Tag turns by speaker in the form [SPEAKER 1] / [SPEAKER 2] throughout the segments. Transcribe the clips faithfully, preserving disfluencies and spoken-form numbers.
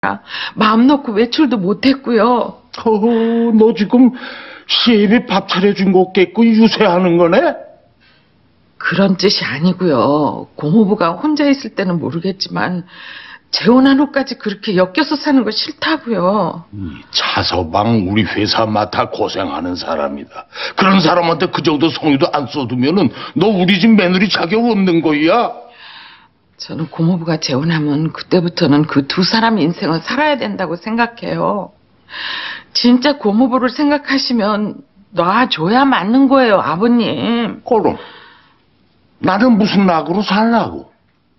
[SPEAKER 1] 마음 놓고 외출도 못했고요.
[SPEAKER 2] 어허, 너 지금 시애비 밥 차려준 거 깼고 유세하는 거네?
[SPEAKER 1] 그런 뜻이 아니고요. 고모부가 혼자 있을 때는 모르겠지만 재혼한 후까지 그렇게 엮여서 사는 거 싫다고요.
[SPEAKER 2] 이 차서방 우리 회사 맡아 고생하는 사람이다. 그런 사람한테 그 정도 성의도 안 써두면은 너 우리 집 며느리 자격 없는 거야.
[SPEAKER 1] 저는 고모부가 재혼하면 그때부터는 그 두 사람 인생을 살아야 된다고 생각해요. 진짜 고모부를 생각하시면 놔줘야 맞는 거예요, 아버님.
[SPEAKER 2] 그럼 나는 무슨 낙으로 살라고?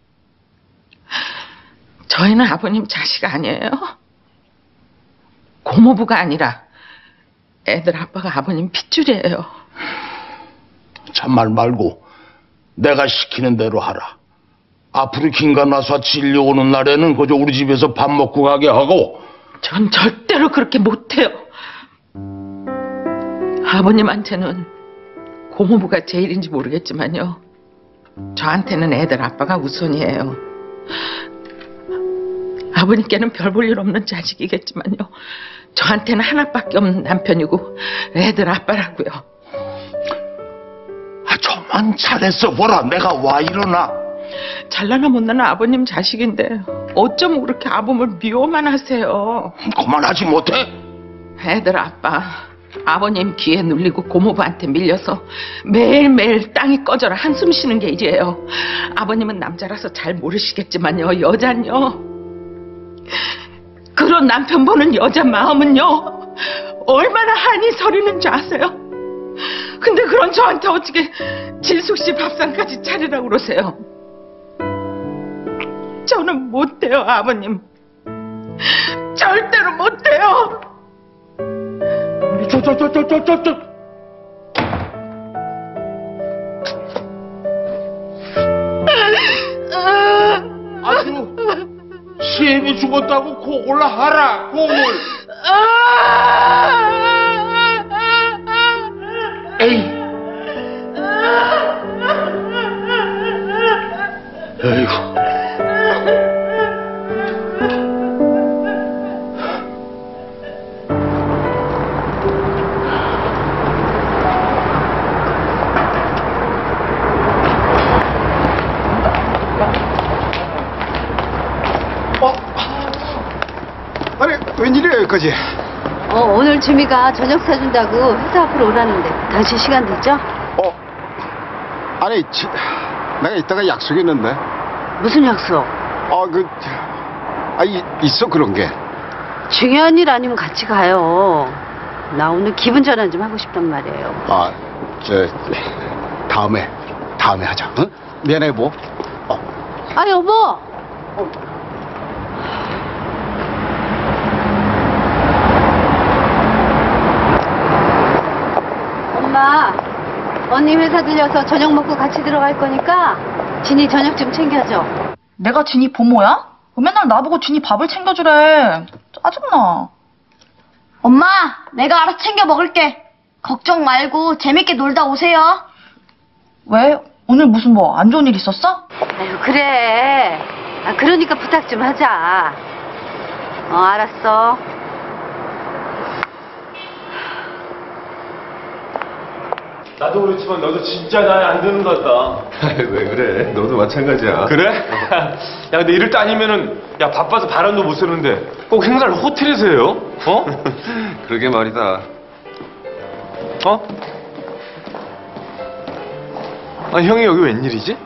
[SPEAKER 1] 저희는 아버님 자식 아니에요? 고모부가 아니라 애들 아빠가 아버님 핏줄이에요.
[SPEAKER 2] 참말 말고 내가 시키는 대로 하라. 앞으로 김간나서 진료 오는 날에는 그저 우리 집에서 밥 먹고 가게 하고.
[SPEAKER 1] 전 절대로 그렇게 못해요. 아버님한테는 고모부가 제일인지 모르겠지만요, 저한테는 애들 아빠가 우선이에요. 아버님께는 별 볼 일 없는 자식이겠지만요, 저한테는 하나밖에 없는 남편이고 애들 아빠라고요.
[SPEAKER 2] 아, 저만 잘했어 보라. 내가 와 일어나.
[SPEAKER 1] 잘나나 못나나 아버님 자식인데 어쩜 그렇게 아범을 미워만 하세요.
[SPEAKER 2] 그만하지 못해?
[SPEAKER 1] 애들 아빠, 아버님 귀에 눌리고 고모부한테 밀려서 매일매일 땅이 꺼져라 한숨 쉬는 게 일이에요. 아버님은 남자라서 잘 모르시겠지만요, 여잔요, 그런 남편 보는 여자 마음은요 얼마나 한이 서리는 줄 아세요? 근데 그런 저한테 어떻게 질숙씨 밥상까지 차리라고 그러세요? 저는 못해요, 아버님. 절대로 못해요.
[SPEAKER 2] 저, 저, 저, 저, 저, 저, 저. 아주 시애비 죽었다고 고골라 하라, 고골. 에이. 에이구.
[SPEAKER 3] 웬일이야 여기까지?
[SPEAKER 4] 어, 오늘 주미가 저녁 사준다고 회사 앞으로 오라는데 당신 시간 되죠?
[SPEAKER 3] 어? 아니 지, 내가 이따가 약속이 있는데.
[SPEAKER 4] 무슨 약속?
[SPEAKER 3] 아 그... 아 이, 있어 그런 게.
[SPEAKER 4] 중요한 일 아니면 같이 가요. 나 오늘 기분 전환 좀 하고 싶단 말이에요.
[SPEAKER 3] 아 저... 다음에 다음에 하자. 응? 미안해 뭐. 어.
[SPEAKER 4] 아 여보. 어. 엄마, 언니 회사 들려서 저녁 먹고 같이 들어갈 거니까 진이 저녁 좀 챙겨줘.
[SPEAKER 5] 내가 진이 보모야? 왜 맨날 나보고 진이 밥을 챙겨주래. 짜증나.
[SPEAKER 6] 엄마, 내가 알아서 챙겨 먹을게. 걱정 말고 재밌게 놀다 오세요.
[SPEAKER 5] 왜? 오늘 무슨 뭐 안 좋은 일 있었어?
[SPEAKER 4] 아유, 그래. 아, 그러니까 부탁 좀 하자. 어, 알았어.
[SPEAKER 7] 나도 그렇지만 너도 진짜 나에 안 드는 것 같다.
[SPEAKER 8] 왜 그래? 너도 마찬가지야.
[SPEAKER 7] 그래? 야 근데 이럴 때 아니면은 야 바빠서 바람도 못 쐬는데 꼭 행사를 호텔에서 해요? 어?
[SPEAKER 8] 그러게 말이다.
[SPEAKER 7] 어? 아 형이 여기 웬일이지?